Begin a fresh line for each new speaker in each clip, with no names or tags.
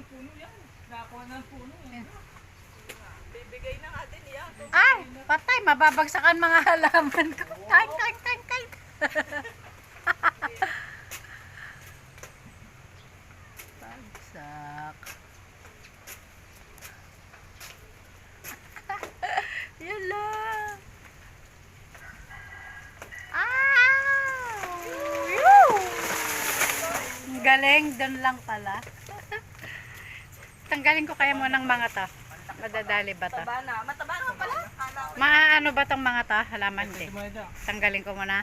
puno yan. Nakakuha ng puno. Bibigay na natin yan.
Ay, patay, mababagsakan mga halaman ko. Kain, kain, kain, kain. Bagsak. Yan lang. Ang galing, doon lang pala. Tanggalin ko kaya mo ng mga to. Madadali ba to?
Mataba na. Mataba na pala.
Maano ba tong mga to? Halaman din. Tanggalin ko muna.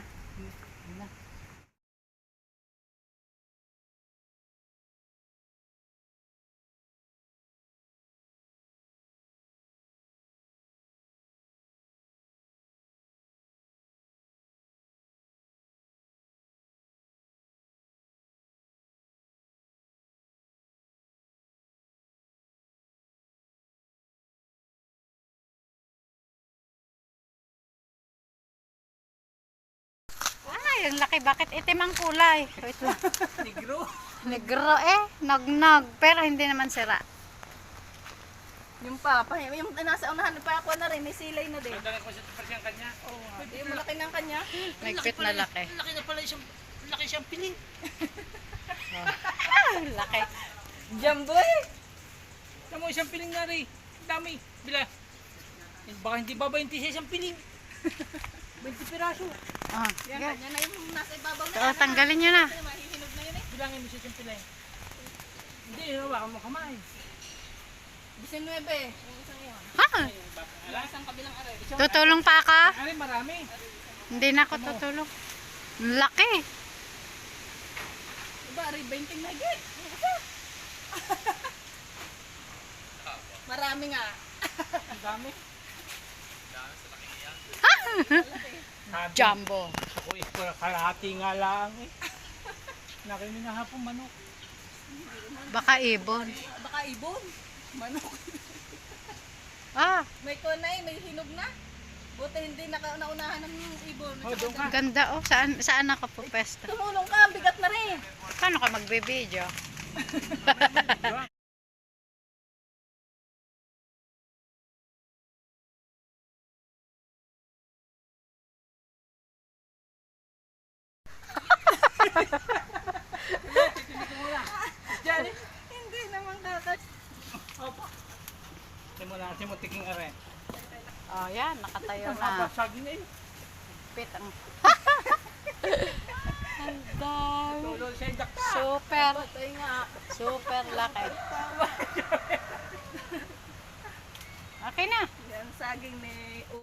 Ay, ang laki. Bakit itim ang kulay? Wait lang.
Negro.
Negro nagnog. Pero hindi naman sira.
Yung papa, yung nasa unahan, pa ako na rin, may silay na din.
Dala ko siya yung kanya.
Oo, yung malaki ng kanya.
Nagpit na laki.
Laki na pala siyang, laki siyang piling.
Laki.
Jumbo eh.
Alam mo, isang piling na rin. Dami. Bila. Baka hindi ba 26 isang piling. 20 piraso.
Ah,
Yan,
yeah.
kanya na yung nasa ibabaw na.
So, tanggalin nyo na.
Mahihinog na yun eh.
Bilangin mo siya yung piling. Hindi, hawakan mo kamay.
19, yung isang yun.
Ha?
Yung isang kabilang aray.
Tutulong pa ka?
Ano, marami.
Hindi na ako tutulong. Ang laki.
Diba, aray 20 na git. Yung isa. Marami nga.
Ang dami.
Jumbo.
Ako eh, kalahati nga lang eh. Nakinig na hapon manok.
Baka ibon.
Baka ibon. Manok.
Ah,
May kunay, may hinog na. Buti hindi naunahan ng ibon.
Oh, doon ka.
ganda oh. Saan ako pupesta?
Tumulong ka, ang bigat na rin.
Paano ka magbe-video?
Diyan eh.
Hindi naman kakad.
Opo. Simula, simutiking are.
Oh, yan. Nakatayo
Ang
na.
habasag na eh.
Pit ang... Ang dami.
Tulol siya yung dakta.
Super.
Patay nga.
Super laki. Okay na.
Yan, saging ni...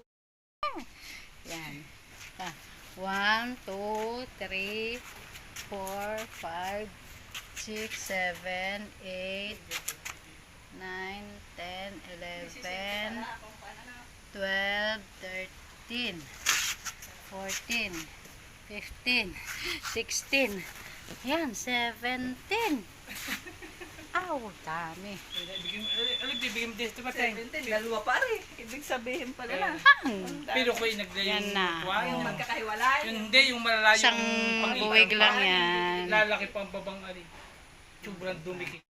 Yan. 1, 2, 3, 4, 5, 6, 7, 8, 9, 10, 11, 12, 13, 14, 15, 16, yan, 17. Aw, dami.
Bibigyan mo din ito matay.
17, dalawa pa rin. Ibig sabihin pala na.
Pero ko yung naglayong
Yan na.
Yung magkakahiwalay.
Yung hindi, yung malalayong
Isang buwig lang yan.
lalaki pang babang ali. Sobrang dumikit.